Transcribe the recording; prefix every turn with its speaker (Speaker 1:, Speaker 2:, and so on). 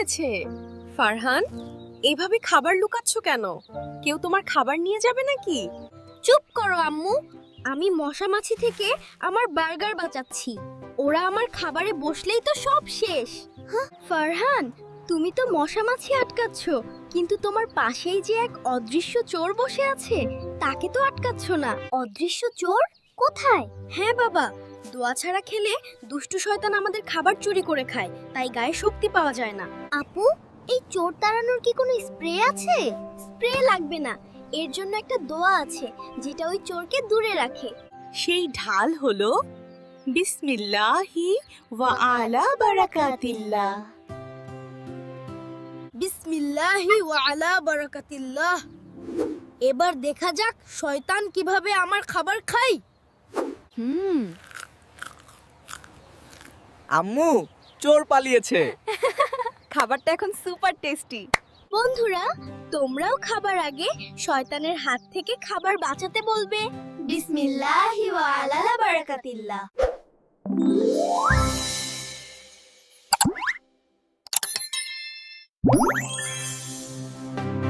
Speaker 1: হয়েছে? ফারহান, এভাবে খাবার লুকাচ্ছ কেন? কেউ তোমার খাবার নিয়ে যাবে নাকি?
Speaker 2: চুপ করো আম্মু, আমি মশা মাছি থেকে আমার বার্গার বাঁচাচ্ছি। ওরা আমার খাবারে বসলেই তো সব শেষ। ফারহান, তুমি তো মশা মাছি আটকাচ্ছ, কিন্তু তোমার পাশেই যে এক অদৃশ্য চোর বসে আছে তাকে তো আটকাচ্ছ না। অদৃশ্য চোর কোথায়? হ্যাঁ বাবা, দোয়া ছাড়া খেলে দুষ্টু শয়তান আমাদের খাবার চুরি করে খায়, তাই গায়ে শক্তি পাওয়া যায় না। আপু, এই চোর তাড়ানোর কি কোনো স্প্রে আছে? স্প্রে লাগবে না, এর জন্য একটা দোয়া আছে যেটা ওই চোরকে দূরে রাখে।
Speaker 1: সেই ঢাল হলো বিসমিল্লাহি ওয়া আলা বারাকাতিল্লাহ।
Speaker 2: বিসমিল্লাহি ওয়া আলা বারাকাতিল্লাহ। এবার দেখা যাক শয়তান কিভাবে আমার খাবার খায়।
Speaker 3: আম্মু, চোর পালিয়েছে।
Speaker 1: খাবারটা এখন সুপার টেস্টি।
Speaker 2: বন্ধুরা, তোমরাও খাবার আগে শয়তানের হাত থেকে খাবার বাঁচাতে বলবে বিসমিল্লাহি ওয়া আলা বারাকাতিল্লাহ।